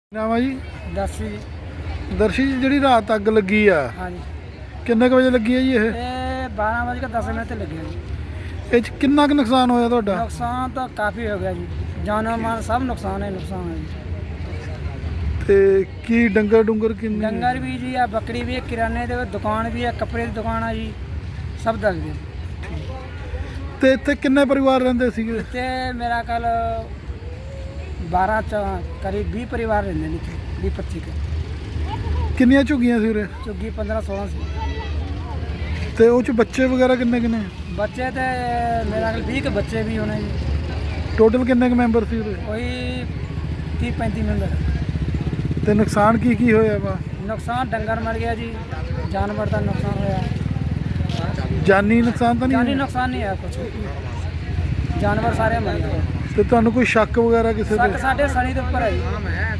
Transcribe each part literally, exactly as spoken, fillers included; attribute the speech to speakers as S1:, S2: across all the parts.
S1: ਨਾਮ ਆ ਜੀ
S2: ਦਰਸ਼ੀ ਜੀ।
S1: ਦਰਸ਼ੀ ਜੀ, ਜਿਹੜੀ ਰਾਤ ਅੱਗ ਲੱਗੀ ਆ
S2: ਹਾਂਜੀ,
S1: ਕਿੰਨੇ ਕੁ ਵਜੇ ਲੱਗੀ ਆ ਜੀ ਇਹ
S2: ਇਹ ਬਾਰਾਂ ਵਜੇ ਕੇ ਦਸ ਮਿੰਟ ਤੇ ਲੱਗਿਆ ਜੀ।
S1: ਇਹ ਚ ਕਿੰਨਾ ਕੁ ਨੁਕਸਾਨ ਹੋਇਆ ਤੁਹਾਡਾ?
S2: ਨੁਕਸਾਨ ਤਾਂ ਕਾਫੀ ਹੋ ਗਿਆ ਜੀ, ਜਾਨੋ ਮਾਲ ਸਭ ਨੁਕਸਾਨ ਹੈ ਨੁਕਸਾਨ ਹੈ ਜੀ।
S1: ਤੇ ਕੀ ਡੰਗਰ ਡੁੰਗਰ ਕਿੰਨੇ?
S2: ਡੰਗਰ ਵੀ ਜੀ ਆ, ਬੱਕਰੀ ਵੀ ਹੈ, ਕਿਰਾਨੇ ਦੇ ਦੁਕਾਨ ਵੀ ਹੈ, ਕੱਪੜੇ ਦੀ ਦੁਕਾਨ ਆ ਜੀ, ਸਭ ਦੱਸ ਗਏ।
S1: ਤੇ ਇੱਥੇ ਕਿੰਨੇ ਪਰਿਵਾਰ ਰਹਿੰਦੇ ਸੀਗੇ?
S2: ਤੇ ਮੇਰਾ ਕੱਲ ਬਾਰਾਂ ਚ ਕਰੀਬ ਵੀਹ ਪਰਿਵਾਰ ਰਹਿੰਦੇ ਨੇ, ਵੀਹ ਪੱਚੀ ਕੇ।
S1: ਕਿੰਨੀਆਂ ਝੁੱਗੀਆਂ ਸੀ ਉਰੇ?
S2: ਝੁੱਗੀ ਪੰਦਰਾਂ ਸੋਲਾਂ ਸੀ।
S1: ਤੇ ਉਹ ਚ ਬੱਚੇ ਵਗੈਰਾ ਕਿੰਨੇ ਕਿੰਨੇ?
S2: ਬੱਚੇ ਤੇ ਮੇਰਾ ਕੱਲ ਵੀਹ ਕੇ ਬੱਚੇ ਵੀ ਹੋਣੇ ਜੀ।
S1: ਟੋਟਲ ਕਿੰਨੇ ਕੁ ਮੈਂਬਰ ਸੀ ਉਰੇ?
S2: ਉਹੀ ਤੀਹ ਪੈਂਤੀ ਮੈਂਬਰ।
S1: ਤੇ ਨੁਕਸਾਨ ਕੀ ਕੀ ਹੋਇਆ ਵਾ?
S2: ਨੁਕਸਾਨ ਡੰਗਰ ਮਰ ਗਿਆ ਜੀ, ਜਾਨਵਰ ਦਾ ਨੁਕਸਾਨ ਹੋਇਆ।
S1: ਜਾਨੀ ਨੁਕਸਾਨ ਤਾਂ
S2: ਜਾਨੀ
S1: ਨਹੀਂ?
S2: ਨੁਕਸਾਨ ਨਹੀਂ ਹੈ ਕੁਛ, ਜਾਨਵਰ ਸਾਰੇ ਮਰ ਗਏ।
S1: ਤੇ ਤੁਹਾਨੂੰ ਕੋਈ ਸ਼ੱਕ ਵਗੈਰਾ ਕਿਸੇ
S2: ਸੱਕ
S1: ਤੇ?
S2: ਸਾਡੇ ਸਣੀ ਦੇ ਉੱਪਰ ਹੈ ਜੀ।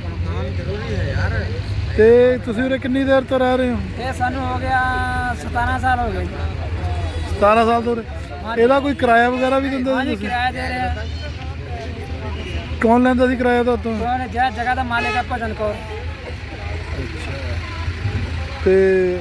S1: ਤੇ ਤੁਸੀਂ ਉਰੇ ਕਿੰਨੀ ਦੇਰ ਤੋਂ ਰਹਿ ਰਹੇ ਹੋ?
S2: ਇਹ ਸਾਨੂੰ ਹੋ ਗਿਆ ਸਤਾਰਾਂ ਸਾਲ ਹੋ ਗਏ ਜੀ।
S1: ਸਤਾਰਾਂ ਸਾਲ ਤੋਂ ਉਰੇ। ਇਹਦਾ ਕੋਈ ਕਿਰਾਇਆ ਵਗੈਰਾ ਵੀ ਦਿੰਦੇ
S2: ਹਾਂਜੀ,
S1: ਸੀ ਤੁਸੀਂ?
S2: ਕਿਰਾਇਆ ਦੇ ਰਹੇ ਆ।
S1: ਕੌਣ ਲੈਂਦਾ ਸੀ ਕਿਰਾਇਆ ਤੁਹਾਤੋਂ?
S2: ਕੌਣ ਜਿਹੜਾ ਜਗ੍ਹਾ ਦਾ ਮਾਲਿਕ ਹੈ ਭਜਨ ਕੌਰ।
S1: ਤੇ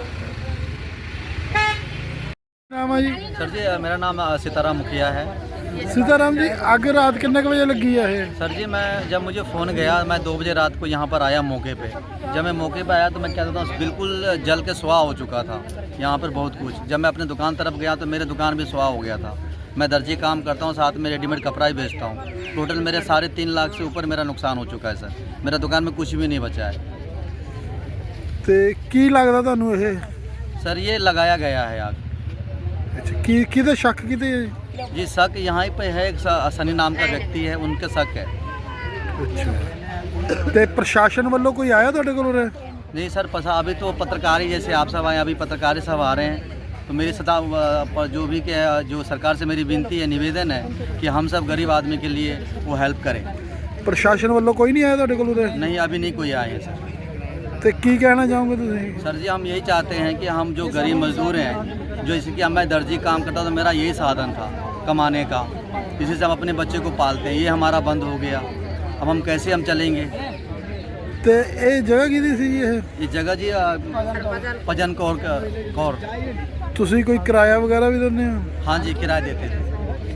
S1: ਨਾਮ ਆ ਜੀ?
S3: सर जी मेरा नाम सीताराम मुखिया है।
S1: सीताराम जी, आग रात कितने के बजे लगी है ये?
S3: सर जी मैं जब मुझे फ़ोन गया, मैं दो बजे रात को यहाँ पर आया मौके पे। जब मैं मौके पे आया तो मैं क्या कहता हूँ, बिल्कुल जल के सुहा हो चुका था यहाँ पर बहुत कुछ। जब मैं अपने दुकान तरफ गया तो मेरे दुकान भी सुहा हो गया था। मैं दर्जी काम करता हूँ, साथ में रेडीमेड कपड़ा ही बेचता हूँ। टोटल मेरे साढ़े तीन लाख से ऊपर मेरा नुकसान हो चुका है सर। मेरा दुकान में कुछ भी नहीं बचा है।
S1: ਤੇ ਕੀ ਲੱਗਦਾ ਤੁਹਾਨੂੰ ਇਹ?
S3: सर ये लगाया गया है आग।
S1: ਅੱਛਾ, ਕੀ ਕਿਹਦੇ ਸ਼ੱਕ ਕਿਤੇ?
S3: जी शक यहाँ पे है, एक स- सनी नाम का व्यक्ति है, उनके शक है।
S1: ਅੱਛਾ, ਤੇ ਪ੍ਰਸ਼ਾਸਨ ਵੱਲੋਂ ਕੋਈ ਆਇਆ ਤੁਹਾਡੇ ਕੋਲ ਉਰੇ?
S3: नहीं सर पसा अभी तो पत्रकार ही, जैसे आप सब आए अभी पत्रकार ही सब आ रहे हैं। तो मेरी सदा पर जो भी के जो सरकार से मेरी विनती है, निवेदन है कि हम सब गरीब आदमी के लिए वो हेल्प करें।
S1: ਪ੍ਰਸ਼ਾਸਨ ਵੱਲੋਂ ਕੋਈ ਨਹੀਂ ਆਇਆ ਤੁਹਾਡੇ ਕੋਲ ਉਰੇ?
S3: नहीं अभी नहीं कोई आए हैं सर।
S1: ਤੇ ਕੀ ਕਹਿਣਾ ਚਾਹੋਗੇ ਤੁਸੀਂ?
S3: सर जी हम यही चाहते हैं कि हम जो गरीब मजदूर हैं, जो जैसे कि मैं दर्जी काम करता था, मेरा यही साधन था कमाने का, इसी से हम अपने बच्चे को पालते हैं। ये हमारा बंद हो गया, अब हम कैसे हम चलेंगे?
S1: ਤੇ ਇਹ ਜਗ੍ਹਾ ਕਿਹਦੀ ਸੀ ਜੀ ਇਹ?
S3: ये जगह जी अ, भजन कौर का- कौर।
S1: ਤੁਸੀਂ ਕੋਈ ਕਿਰਾਇਆ ਵਗੈਰਾ ਵੀ ਦਿੰਦੇ ਹੋ?
S3: हाँ जी किराया देते थे।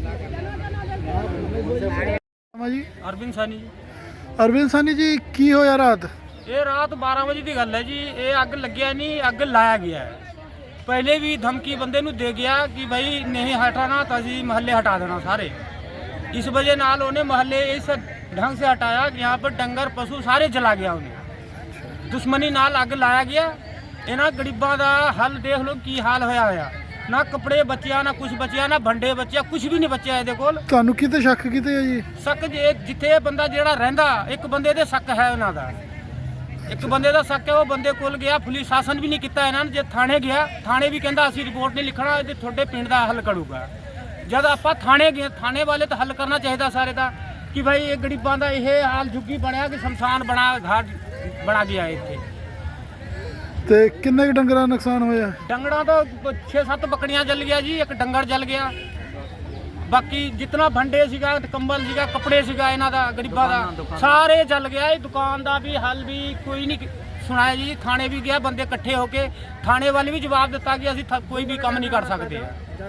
S1: ਨਾਮ ਆ ਜੀ?
S2: ਅਰਵਿੰਦ ਸਾਨੀ ਜੀ।
S1: ਅਰਵਿੰਦ ਸਾਨੀ ਜੀ, ਕੀ ਹੋਇਆ ਰਾਤ?
S2: ਇਹ ਰਾਤ ਬਾਰਾਂ ਵਜੇ ਦੀ ਗੱਲ ਹੈ ਜੀ। ਇਹ ਅੱਗ ਲੱਗਿਆ ਨਹੀਂ, ਅੱਗ ਲਾਇਆ ਗਿਆ ਹੈ। ਪਹਿਲੇ ਵੀ ਧਮਕੀ ਬੰਦੇ ਨੂੰ ਦੇ ਗਿਆ ਕਿ ਭਾਈ ਨਹੀਂ ਹਟਾਣਾ ਤਾਂ ਅਸੀਂ ਮਹੱਲੇ ਹਟਾ ਦੇਣਾ ਸਾਰੇ। ਇਸ ਵਜ੍ਹਾ ਨਾਲ ਉਹਨੇ ਮਹੱਲੇ ਇਸ ढंग से हटाया कि यहाँ पर डंगर पशु सारे जला गया उन्हें। दुश्मनी नाल अग लाया गया। इन्हों गरीबों का हल देख लो की हाल होया होया। ना कपड़े बचिया, ना कुछ बचिया, ना भंडे बचिया, कुछ भी नहीं बचिया ਇਹਦੇ ਕੋਲ।
S1: ਤੁਹਾਨੂੰ ਕਿਤੇ ਸ਼ੱਕ ਕਿਤੇ ਹੈ ਜੀ?
S2: ਸ਼ੱਕ ਜੇ ਜਿੱਥੇ ਇਹ ਬੰਦਾ ਜਿਹੜਾ ਰਹਿੰਦਾ, ਇੱਕ ਬੰਦੇ ਦੇ ਸ਼ੱਕ ਹੈ ਉਹਨਾਂ ਦਾ। ਇੱਕ ਬੰਦੇ ਦਾ ਸ਼ੱਕ ਹੈ, ਉਹ ਬੰਦੇ ਕੋਲ ਗਿਆ, ਪੁਲਿਸ ਸ਼ਾਸਨ ਵੀ ਨਹੀਂ ਕੀਤਾ ਇਹਨਾਂ ਨੇ। ਜੇ ਥਾਣੇ ਗਿਆ, ਥਾਣੇ ਵੀ ਕਹਿੰਦਾ ਅਸੀਂ ਰਿਪੋਰਟ ਨਹੀਂ ਲਿਖਣਾ, ਇਹਦੇ ਤੁਹਾਡੇ ਪਿੰਡ ਦਾ ਹੱਲ ਕਰੂਗਾ। ਜਦ ਆਪਾਂ ਥਾਣੇ ਗਏ, ਥਾਣੇ ਵਾਲੇ ਤਾਂ ਹੱਲ ਕਰਨਾ ਚਾਹੀਦਾ ਸਾਰੇ ਦਾ ਕਿ ਭਾਈ ਇਹ ਗਰੀਬਾਂ ਦਾ ਇਹ ਹਾਲ ਝੁੱਗੀ ਬਣਿਆ ਕਿ ਸ਼ਮਸ਼ਾਨ ਬਣਾ ਘਾਟ ਬਣਾ ਗਿਆ ਇੱਥੇ।
S1: ਤੇ ਕਿੰਨੇ ਕੁ ਡੰਗਰਾਂ ਦਾ ਨੁਕਸਾਨ ਹੋਇਆ?
S2: ਡੰਗਰਾਂ ਤੋਂ ਛੇ ਸੱਤ ਬੱਕੜੀਆਂ ਜਲ ਗਿਆ ਜੀ, ਇੱਕ ਡੰਗਰ ਜਲ ਗਿਆ। ਬਾਕੀ ਜਿੰਨਾ ਭੰਡੇ ਸੀਗਾ, ਕੰਬਲ ਸੀਗਾ, ਕੱਪੜੇ ਸੀਗਾ ਇਹਨਾਂ ਦਾ, ਗਰੀਬਾਂ ਦਾ ਸਾਰੇ ਜਲ ਗਿਆ। ਇਹ ਦੁਕਾਨ ਦਾ ਵੀ ਹੱਲ ਵੀ ਕੋਈ ਨਹੀਂ ਸੁਣਾਇਆ ਜੀ। ਥਾਣੇ ਵੀ ਗਿਆ, ਬੰਦੇ ਇਕੱਠੇ ਹੋ ਕੇ ਥਾਣੇ ਵਾਲੇ ਵੀ ਜਵਾਬ ਦਿੱਤਾ ਕਿ ਅਸੀਂ ਕੋਈ ਵੀ ਕੰਮ ਨਹੀਂ ਕਰ ਸਕਦੇ।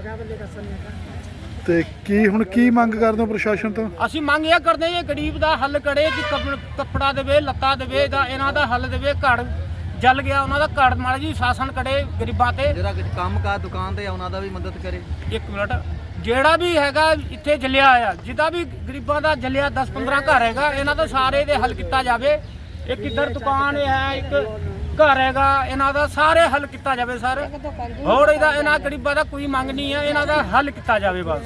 S1: ਤੇ ਕੀ ਹੁਣ ਕੀ ਮੰਗ ਕਰਦੇ ਹੋ ਪ੍ਰਸ਼ਾਸਨ ਤੋਂ?
S2: ਅਸੀਂ ਮੰਗ ਇਹ ਕਰਦੇ ਹਾਂ, ਇਹ ਗਰੀਬ ਦਾ ਹੱਲ ਕਰੇ ਕਿ ਕੱਪੜਾ ਦੇਵੇ, ਲੱਤਾ ਦੇਵੇ, ਦਾ ਇਹਨਾਂ ਦਾ ਹੱਲ ਦੇਵੇ। ਘਰ ਜਲ ਗਿਆ ਉਹਨਾਂ ਦਾ, ਘਰ ਮਾੜਾ ਜੀ ਸ਼ਾਸਨ ਕਰੇ ਗਰੀਬਾਂ ਤੇ।
S3: ਜਿਹੜਾ ਕੰਮ ਕਾ ਦੁਕਾਨ ਤੇ ਉਹਨਾਂ ਦਾ ਵੀ ਮਦਦ ਕਰੇ।
S2: ਇੱਕ ਮਿੰਟ, ਜਿਹੜਾ ਵੀ ਹੈਗਾ ਇੱਥੇ ਜਲਿਆ ਆ, ਜਿਹਦਾ ਵੀ ਗਰੀਬਾਂ ਦਾ ਜਲਿਆ ਦਸ ਪੰਦਰਾਂ ਘਰ ਹੈਗਾ, ਇਹਨਾਂ ਦਾ ਸਾਰੇ ਦੇ ਹੱਲ ਕੀਤਾ ਜਾਵੇ। ਇੱਕ ਇੱਧਰ ਦੁਕਾਨ ਹੈ, ਇੱਕ ਘਰ ਹੈਗਾ, ਇਹਨਾਂ ਦਾ ਸਾਰੇ ਹੱਲ ਕੀਤਾ ਜਾਵੇ ਸਰ। ਹੋਰ ਇਹਦਾ ਇਹਨਾਂ ਗਰੀਬਾਂ ਦਾ ਕੋਈ ਮੰਗ ਨਹੀਂ ਹੈ, ਇਹਨਾਂ ਦਾ ਹੱਲ ਕੀਤਾ ਜਾਵੇ ਬਸ।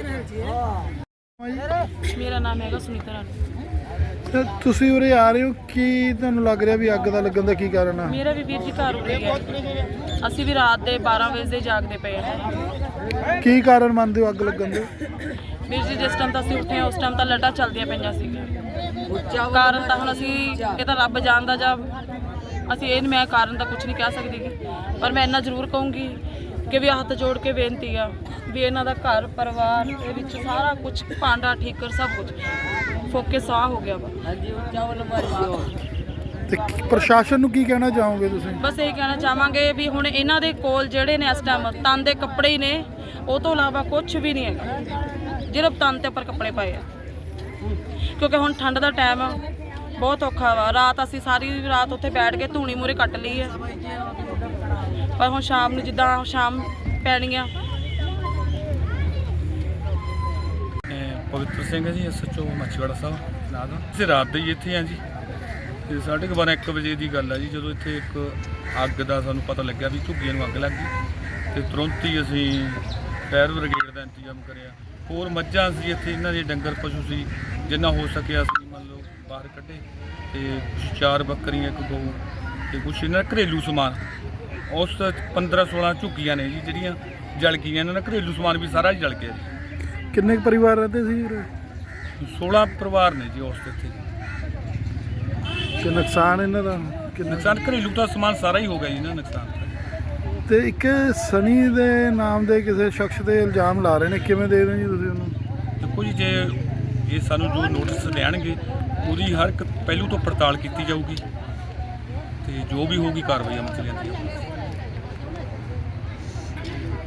S4: ਮੇਰਾ ਨਾਮ ਹੈਗਾ ਸੁਨੀਤਾ ਰਾਣੀ।
S1: ਤੇ ਤੁਸੀਂ ਉਰੇ ਆ ਰਹੇ ਹੋ, ਕੀ ਤੁਹਾਨੂੰ ਲੱਗ ਰਿਹਾ ਵੀ ਅੱਗ ਦਾ ਲੱਗਣ ਦਾ ਕੀ ਕਾਰਨ ਆ?
S4: ਮੇਰਾ ਵੀ ਵੀਰ ਜੀ ਘਰ ਉੱਡ ਗਿਆ। ਅਸੀਂ ਵੀ ਰਾਤ ਦੇ ਬਾਰਾਂ ਵਜੇ ਦੇ ਜਾਗਦੇ ਪਏ ਹਾਂ।
S1: ਕੀ ਕਾਰਨ ਮੰਨਦੇ ਹੋ ਅੱਗ ਲੱਗਣ ਦੇ?
S4: ਵੀਰ ਜੀ ਜਿਸ ਟਾਈਮ ਤਾਂ ਅਸੀਂ ਉੱਠੇ ਉਸ ਟਾਈਮ ਤਾਂ ਲਾਈਟਾਂ ਚੱਲਦੀਆਂ ਪਈਆਂ ਸੀਗੀਆਂ। ਕਾਰਨ ਤਾਂ ਹੁਣ ਅਸੀਂ ਇਹ ਤਾਂ ਰੱਬ ਜਾਣਦਾ, ਜਾਂ ਅਸੀਂ ਇਹ ਮੈਂ ਕਾਰਨ ਤਾਂ ਕੁਝ ਨਹੀਂ ਕਹਿ ਸਕਦੀ ਗੀ। ਪਰ ਮੈਂ ਇੰਨਾ ਜ਼ਰੂਰ ਕਹੂੰਗੀ ਕਿ ਵੀ ਹੱਥ ਜੋੜ ਕੇ ਬੇਨਤੀ ਆ ਵੀ ਇਹਨਾਂ ਦਾ ਘਰ ਪਰਿਵਾਰ ਦੇ ਵਿੱਚ ਸਾਰਾ ਕੁਝ ਭਾਂਡਾ ਠੀਕਰ ਸਭ ਕੁਝ ਫੋਕੇ ਸਾਹ ਹੋ ਗਿਆ ਵਾ। ਹਾਂਜੀ, ਚਾਵਲ ਮਾਰੀ ਦਿਓ।
S1: ਤੇ ਕੀ- ਪ੍ਰਸ਼ਾਸਨ ਨੂੰ ਕੀ ਕਹਿਣਾ ਚਾਹੋਗੇ ਤੁਸੀਂ?
S4: ਬਸ ਇਹ ਕਹਿਣਾ ਚਾਹਾਂਗੇ ਵੀ ਹੁਣ ਇਹਨਾਂ ਦੇ ਕੋਲ ਜਿਹੜੇ ਨੇ ਇਸ ਟਾਈਮ ਤਨ ਦੇ ਕੱਪੜੇ ਹੀ ਨੇ, ਉਹ ਤੋਂ ਇਲਾਵਾ ਕੁਝ ਵੀ ਨਹੀਂ ਹੈਗਾ ਜਿਹੜੇ ਤਨ ਤੇ ਉੱਪਰ ਕੱਪੜੇ ਪਾਏ ਆ। ਕਿਉਂਕਿ ਹੁਣ ਠੰਡ ਦਾ ਟਾਈਮ ਆ, ਬਹੁਤ ਔਖਾ ਵਾ। ਰਾਤ ਅਸੀਂ ਸਾਰੀ ਰਾਤ ਉੱਥੇ ਬੈਠ ਕੇ ਧੂਣੀ ਮੂਰੇ ਕੱਟ ਲਈ ਹੈ, ਪਰ ਹੁਣ ਸ਼ਾਮ ਨੂੰ ਜਿੱਦਾਂ ਸ਼ਾਮ ਪੈਣੀ ਆ।
S5: ਪਵਿੱਤਰ ਸਿੰਘ ਹੈ ਜੀ, S H O Machhiwara Sahib ਨਾਂ ਦਾ। ਅਸੀਂ ਰਾਤ ਦੇ ਹੀ ਇੱਥੇ ਹਾਂ ਜੀ, ਤੇ ਸਾਢੇ ਕੁ ਬਾਰਾਂ ਇੱਕ ਵਜੇ ਦੀ ਗੱਲ ਹੈ ਜੀ, ਜਦੋਂ ਇੱਥੇ ਇੱਕ ਅੱਗ ਦਾ ਸਾਨੂੰ ਪਤਾ ਲੱਗਿਆ ਵੀ ਝੁੱਗੀਆਂ ਨੂੰ ਅੱਗ ਲੱਗ ਗਈ, ਤੇ ਤੁਰੰਤ ਹੀ ਅਸੀਂ ਫਾਇਰ ਬ੍ਰਿਗੇਡ ਦਾ ਇੰਤਜ਼ਾਮ ਕਰਿਆ। ਹੋਰ ਮੱਝਾਂ ਸੀ ਇੱਥੇ, ਇਹਨਾਂ ਦੇ ਡੰਗਰ ਪਸ਼ੂ ਸੀ, ਜਿੰਨਾ ਹੋ ਸਕਿਆ ਅਸੀਂ ਮੰਨ ਲਓ ਬਾਹਰ ਕੱਢੇ, ਤੇ ਕੁਛ ਚਾਰ ਬੱਕਰੀਆਂ, ਇੱਕ ਗਊ, ਤੇ ਕੁਛ ਇਹਨਾਂ ਦਾ ਘਰੇਲੂ ਸਮਾਨ। ਉਸ ਪੰਦਰਾਂ ਸੋਲਾਂ ਝੁੱਗੀਆਂ ਨੇ ਜੀ ਜਿਹੜੀਆਂ ਜਲ ਗਈਆਂ, ਇਹਨਾਂ ਦਾ ਘਰੇਲੂ ਸਮਾਨ ਵੀ ਸਾਰਾ ਹੀ ਜਲ ਗਿਆ ਜੀ।
S1: ਕਿੰਨੇ ਕੁ ਪਰਿਵਾਰ ਰਹਿੰਦੇ ਸੀ ਉਰੇ?
S5: ਸੋਲਾਂ ਪਰਿਵਾਰ ਨੇ ਜੀ ਉਸ 'ਤੇ ਇੱਥੇ।
S1: ਤੇ ਨੁਕਸਾਨ ਇਹਨਾਂ ਦਾ ਕਿੰਨਾ?
S5: ਨੁਕਸਾਨ ਘਰੇਲੂ ਦਾ ਸਮਾਨ ਸਾਰਾ ਹੀ ਹੋ ਗਿਆ ਜੀ ਨਾ ਨੁਕਸਾਨ।
S1: ਤੇ ਇੱਕ ਸਨੀ ਦੇ ਨਾਮ ਦੇ ਕਿਸੇ ਸ਼ਖਸ ਦੇ ਇਲਜ਼ਾਮ ਲਾ ਰਹੇ ਨੇ, ਕਿਵੇਂ ਦੇ ਰਹੇ ਜੀ ਤੁਸੀਂ ਉਹਨੂੰ?
S5: ਦੇਖੋ ਜੀ, ਜੇ ਇਹ ਸਾਨੂੰ ਜੋ ਨੋਟਿਸ ਦੇਣਗੇ ਉਹਦੀ ਹਰ ਇੱਕ ਪਹਿਲੂ ਤੋਂ ਪੜਤਾਲ ਕੀਤੀ ਜਾਊਗੀ, ਤੇ ਜੋ ਵੀ ਹੋਊਗੀ ਕਾਰਵਾਈ ਅਮਲ 'ਚ ਲਿਆਂਦੀ ਜਾਊਗੀ।